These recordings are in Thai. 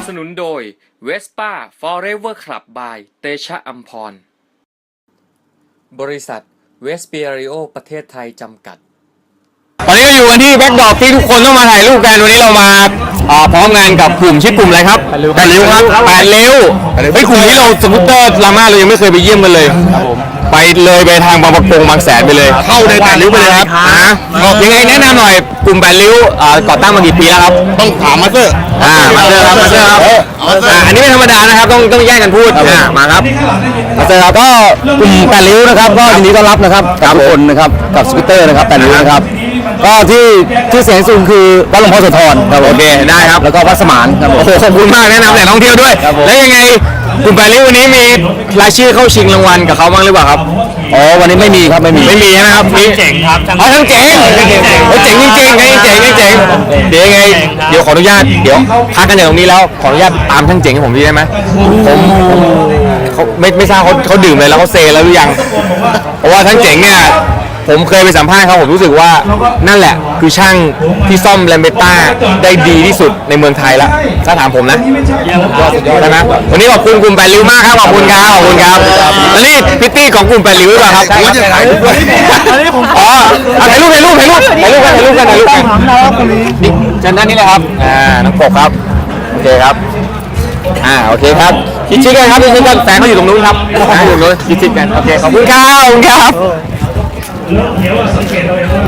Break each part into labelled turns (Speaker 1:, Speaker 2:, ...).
Speaker 1: สนุนโดย Vespa Forever Club by เตชะอัมพรบริษัทเวสเปียริโอประเทศไทยจำกัด
Speaker 2: ตอนนี้เราอยู่กันที่แบ็คดรอปที่ทุกคนต้องมาถ่ายรูปกันวันนี้เรามาพร้อมงานกับกลุ่มชื่อกลุ่มอะไรครับ8 ริ้วครับ8 ริ้วไอ้กลุ่มนี้เราสกูตเตอร์ลาม่าเรายังไม่เคยไปเยี่ยมกันเลยไปเลยไปทางบางประกงบางแสนไปเลยเข้าใน8 ริ้วไปเลยครับยังไงแนะนำหน่อยกลุ่ม8 ริ้วก่อตั้งมากี่ปีแล้วครับต้องถามมาสเตอร์มาสเตอร์ครับอันนี้ไม่ธรรมดานะครับต้องแยกกันพูดมาครับมาสเตอร์ครับก็กลุ่ม8 ริ้วนะครับก็ยินดีต้อนรับนะครับกับทุกคนนะครับกับสกูตเตอร์นะครับ8 ริ้วนะครับก็ที่เสียงสูงคือวัดหลวงพ่อโสธรครับโอเคได้ครับแล้วก็วัดสมานครับโอ้โหขอบคุณมากแนะนำแหล่งท่องเที่ยวด้วยแล้วยังไงกลุ่ม8 ริ้ววันนี้มีรายชื่อเข้าชิงรางวัลกับเขาบ้างหรือเปล่าครับอ๋อวันนี้ไม่มีครับไม่มีใช่ไหมครับมีเจ๋งครับทั้งเจ๋งเจ๋งจริงๆเจ๋งเดี๋ยวยังไงเดี๋ยวขออนุญาตเดี๋ยวพักกันอย่างตรงนี้แล้วขออนุญาตตามทั้งเจ๋งให้ผมได้ไหมผมเขาไม่ทราบเขาดื่มเลยแล้วเขาเซแล้วหรือยังเพราะว่าทั้งเจ๋งเนี่ยผมเคยไปสัมภาษณ์เขาผมรู้สึกว่านั่นแหละคือช่างที่ซ่อมแลมเบต้าได้ดีที่สุดในเมืองไทยแล้วถ้าถามผมนะใช่ไหมวันนี้ขอบคุณกลุ่ม8 ริ้วมากครับขอบคุณครับแล้วนี่พิตตี้ของกลุ่ม8 ริ้วหรือเปล่าครับอ๋อถ่ายรูปกันนี่เชิญด้านนี้เลยครับน้องปกครับโอเคครับโอเคครับชิดกันครับชิดกันแฟนเขาอยู่ตรงนู้นครับอยู่ตรงนู้นชิดกันโอเคขอบคุณครับสังเกตเราอย่าง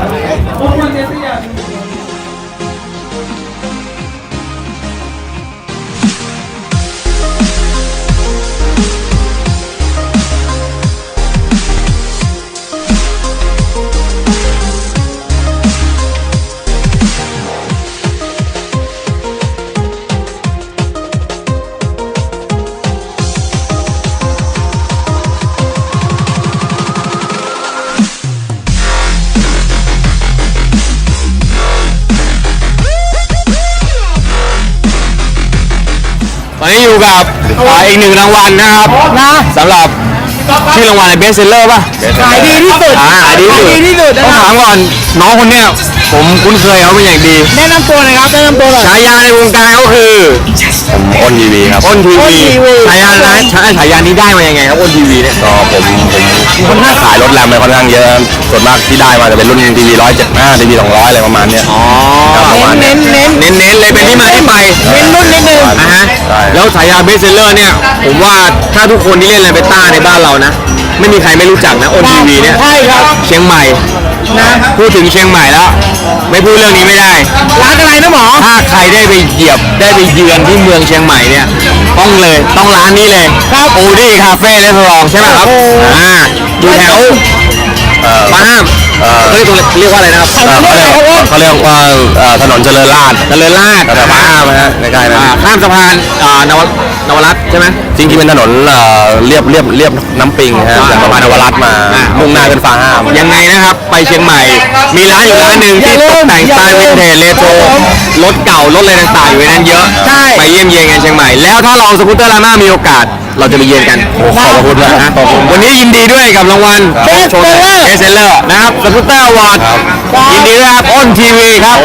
Speaker 2: ตอนนี้อยู่กับอีก1 รางวัลนะครับสำหรับชื่อรางวัลอะไรเบสเซลเลอร์ป่ะขายดีที่สุดต้องถามก่อนน้องคนเนี้ยผมคุ้นเคยเขาเป็นอย่างดีแนะนำตัวเลยครับฉายาในวงการก็คืออ้นทีวีครับอ้นทีวีฉายานี้ได้มายังไงครับอ้นทีวีเนี่ยก็ผมค่อนข้างขายรถแรมไปค่อนข้างเยอะส่วนมากที่ได้มาจะเป็นรุ่นทีวี175ทีวี200อะไรประมาณเนี้ยเน้นเลยเป็นที่มาที่ไปเน้นรุ่นนิดนึงแล้วฉายาเบสเซลเลอร์เนี่ยผมว่าถ้าทุกคนที่เล่นแรมเบต้าในบ้านเรานะไม่มีใครไม่รู้จักนะอ้นทีวีเนี่ยใช่ครับเชียงใหม่นะพูดถึงเชียงใหม่แล้วไม่พูดเรื่องนี้ไม่ได้ร้านอะไรนะหมอถ้าใครได้ไปเหยียบได้ไปเยือนที่เมืองเชียงใหม่เนี่ยต้องร้านนี้เลยครับโอดี้คาเฟ่และสลองใช่ไหมครับอยู่แถวมาห้ามเรียกว่าอะไรนะครับเขาเรียกว่าถนนเจริญราษฎร์แต่มาห้ามนะใกล้ๆนะข้ามสะพานนวรัตน์ใช่ไหมจริงๆเป็นถนนเรียบน้ำปิงฮะจากสะพานนวรัตน์มามุ่งหน้าเป็นฟ้าห้ามยังไงนะครับไปเชียงใหม่มีร้านอยู่ร้านหนึ่งที่ตกแต่งสไตล์วินเทจเรโทรรถเก่ารถอะไรต่างๆอยู่ในนั้นเยอะไปเยี่ยมเยียนกันเชียงใหม่แล้วถ้าเราสกูตเตอร์ลาม่ามีโอกาสเราจะไปเยือนกันขอบคุณนะวันนี้ยินดีด้วยกับรางวัลเบสเซลเลอร์นะครับสกูตเตอร์อวอร์ดยินดีด้วยครับอ้นทีวีครับ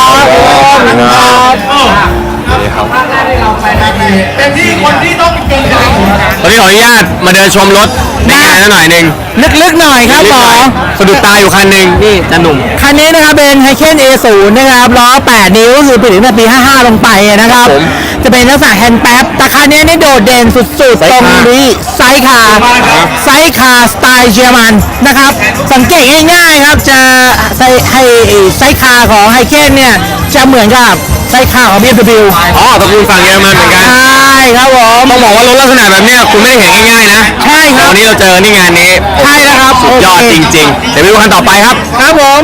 Speaker 3: เป็นที่คนที่ต้องเก่งใจ
Speaker 2: วันนี้ขออนุญาตมาเดินชมรถในงานหน่อยหนึ่ง
Speaker 3: ลึกๆหน่อยครับหมอ
Speaker 2: สะดุดตาอยู่คันหนึ่งนี่จันหนุ่ม
Speaker 3: คันนี้นะครับเป็นไฮเคน A0 นะครับล้อ8 นิ้วคือผลิตตั้งแต่ปี55ลงไปนะครับจะเป็นลักษณะแฮนด์แป๊บแต่คันนี้นี่โดดเด่นสุดๆตรงนี้ไซส์คาร์สไตล์เยอรมันนะครับสังเกตง่ายๆครับจะไซส์คาร์ของไฮเคนเนี่ยจะเหมือนกับไซส์คาร์ของ BMW
Speaker 2: ตระกูลฝั่งเยอรมันเหมือนกัน
Speaker 3: ใช่ครับผม
Speaker 2: ต้องบอกว่ารถลักษณะแบบนี้คุณไม่ได้เห็นง่ายๆนะ
Speaker 3: ใช่ครับ
Speaker 2: วันนี้เราเจอนี่งานนี้
Speaker 3: ใช่แล้วครับ
Speaker 2: สุดยอดจริงๆเดี๋ยวไปดูคันต่อไปครับ
Speaker 3: ผม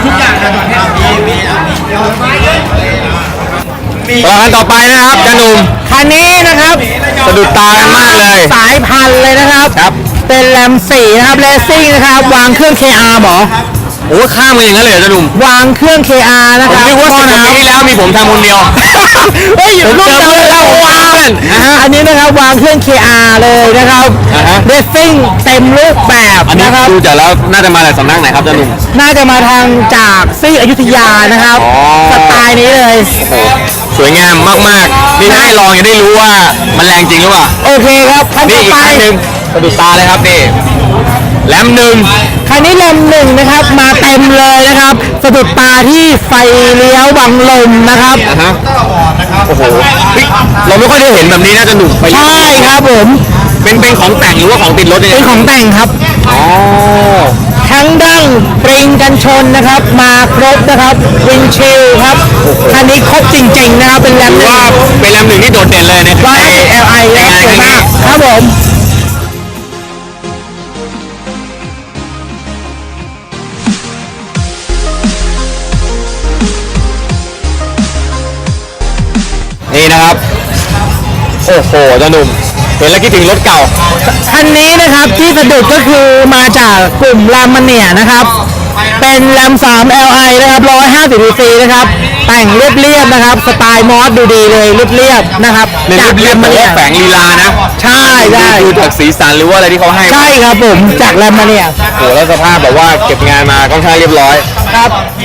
Speaker 2: คันต่อไปนะครับจันหนุ่ม
Speaker 3: คันนี้นะครับ
Speaker 2: สะดุดตามากเลย
Speaker 3: สายพันธุ์เลยนะครับเป็นแรม4นะครับเลสซิ่งนะครับวางเครื่อง KR หมอ
Speaker 2: โอ้ข้ามมาอย่างนั้นเลยจ้าหนุ่ม
Speaker 3: วางเครื่อง KR นะครับ
Speaker 2: ผมคิดว่า10 ปีที่แล้วมีผมทำคนเดียว
Speaker 3: เฮ้ยผมเจอเพื่อนเราวางอันนี้นะครับวางเครื่อง KR เลยนะครับเรซซิ่งเต็มรูปแบบ
Speaker 2: นะครับดูจากแล้วน่าจะมาจากสำนักไหนครับจ้าหนุ่ม
Speaker 3: น่าจะมาทางจากซี่อยุธยานะครับสไตล์นี้เลย
Speaker 2: สุดวยงามมากๆนี่ถ้าได้ลองจะได้รู้ว่ามันแรงจริงหรือเปล่า
Speaker 3: โอเคครับคัน
Speaker 2: นี่
Speaker 3: ต่อ
Speaker 2: อีก
Speaker 3: ไป
Speaker 2: คันหนึ่งสะดุดตาเลยครับนี่แรมหนึ่ง
Speaker 3: คันนี้แรมหนึ่งนะครับมาเต็มเลยนะครับสะดุดตาที่ไฟเลี้ยวบังลมนะครับ
Speaker 2: อ่ะฮะโอ้โหเฮ้ยเราไม่ค่อยได้เห็นแบบนี้น่าจะหนุกไป
Speaker 3: ใช่ครับผม
Speaker 2: เป็นของแต่งหรือว่าของติดรถเนี่ย
Speaker 3: เป็นของแต่งครับ
Speaker 2: อ๋อ
Speaker 3: ทั้งดั้งปริงกันชนนะครับ มาครบนะครับวินชิลครับคันนี้ครบจริงๆนะครับเป็นแรม
Speaker 2: ถือว่าเป็นแรมหนึ่งที่โดดเด่นเลยใน
Speaker 3: 150 Li นะครับสวยมากครับผม
Speaker 2: นี่นะครับโอ้โหเจ้าหนุ่มเห็นแล้วคิดถึงรถเก่า
Speaker 3: คันนี้นะครับที่สะดุดก็คือมาจากกลุ่มแรมมาเนียนะครับ เป็นแรม3 Li นะครับ150 cc นะครับ แต่งเรียบๆนะครับ สไตล์มอสดูดีเลยเรียบๆนะครับ
Speaker 2: เรียบเรียบแต่ว่าแฝงลีลานะ
Speaker 3: ใช่ใช่
Speaker 2: ดูจากสีสันหรือว่าอะไรที่เขาให้
Speaker 3: ใช่ครับผมจากแรมมาเนีย
Speaker 2: โอ้โหแล้วสภาพแบบว่าเก็บงานมาค่อนข้างเรียบร้อย
Speaker 3: ครับ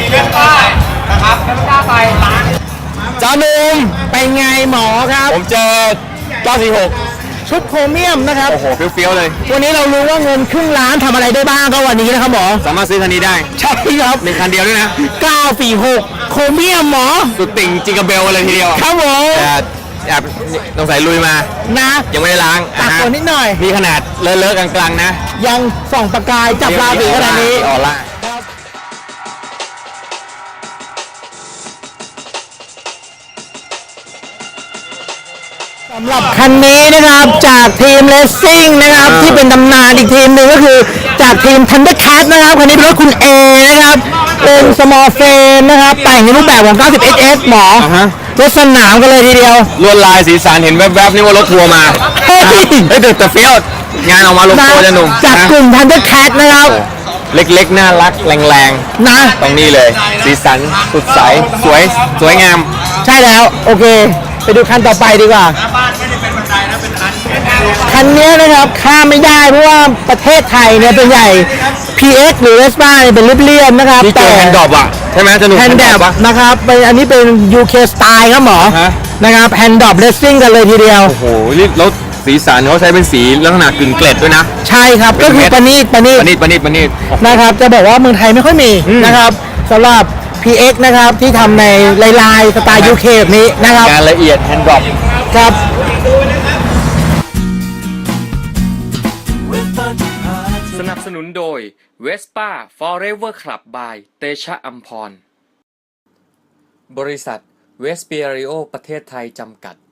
Speaker 3: จานุมเป็นไงหมอครับ
Speaker 2: ผมเจอ946
Speaker 3: ชุดโครเมียมนะครับ
Speaker 2: โอ้โหเฟี้ยวๆเลย
Speaker 3: วันนี้เรารู้ว่าเงินครึ่งล้านทำอะไรได้บ้างก็วันนี้นะครับหมอ
Speaker 2: สามารถซื้อคันนี้ได้
Speaker 3: ใช่ครับ
Speaker 2: หนึ่งคันเดียวด้วยนะ
Speaker 3: 946โครเมียมหมอ
Speaker 2: สุดติ่งจิงกระเบลเลยทีเดียว
Speaker 3: ครับผม
Speaker 2: แต่แอบต้องใส่ลุยมา
Speaker 3: นะ
Speaker 2: ยังไม่ได้ล้าง
Speaker 3: ตักฝนนิดหน่อย
Speaker 2: มีขนาดเลอะๆกลางๆนะ
Speaker 3: ยังส่องประกายจับราศีขนาดนี้
Speaker 2: ออร่า
Speaker 3: สำหรับคันนี้นะครับจากทีมเลสซิ่งนะครับที่เป็นตำนานอีกทีมหนึ่งก็คือจากทีม Thundercat นะครับคันนี้เป็นรถคุณเอนะครับเป็น small frame นะครับแต่งในรูปแบบของ 90SS หมอ
Speaker 2: อ่าฮะ
Speaker 3: รถสนามกันเลยทีเดียว
Speaker 2: ลวดลายสีสันเห็นแวบๆนี่ว่ารถทัวร์มา
Speaker 3: เฮ้ย
Speaker 2: เฮ้ยแต่เฟี้ยวงานออกมาลงตัวจะหนุ่ม
Speaker 3: จาก
Speaker 2: นะ
Speaker 3: กลุ่ม Thundercat นะครับ
Speaker 2: เล็กๆ น่ารักแรง
Speaker 3: นะ
Speaker 2: ๆ ตรงนี้เลย สีสันสดใสสวยงาม
Speaker 3: ใช่แล้วโอเค ไปดูคันต่อไปดีกว่าคันนี้นะครับข้ามไม่ได้เพราะว่าประเทศไทยเนี่ยเป็นใหญ่ PX หรือ Vespa เนี่ยเป็นเรียบๆนะครับ
Speaker 2: ที่เจอแฮนด์ดรอปอ่ะ ใช่ไหมจะหนุ่ม
Speaker 3: แฮนด์ดรอป
Speaker 2: ปะ
Speaker 3: นะครับเป็นอันนี้เป็น UK Style ครับหมอ
Speaker 2: ฮะ
Speaker 3: นะครับแฮนด์ดรอปเลสซิ่งกันเลยทีเดียว
Speaker 2: โอ้โหนี่แล้วสีสันเขาใช้เป็นสีลักษณะกึ่งเกล็ดด้วยนะ
Speaker 3: ใช่ครับก็คือประณีต
Speaker 2: ประณีต
Speaker 3: นะครับจะบอกว่าเมืองไทยไม่ค่อยมีนะครับสำหรับ PX นะครับที่ทำในลายๆสไตล์ UK แบบนี้นะครับ
Speaker 2: งานละเอียดแฮนด์ดรอป
Speaker 3: ครับ
Speaker 1: สนับสนุนโดย Vespa Forever Club by เตชะอัมพร บริษัทเวสเปียริโอประเทศไทยจำกัด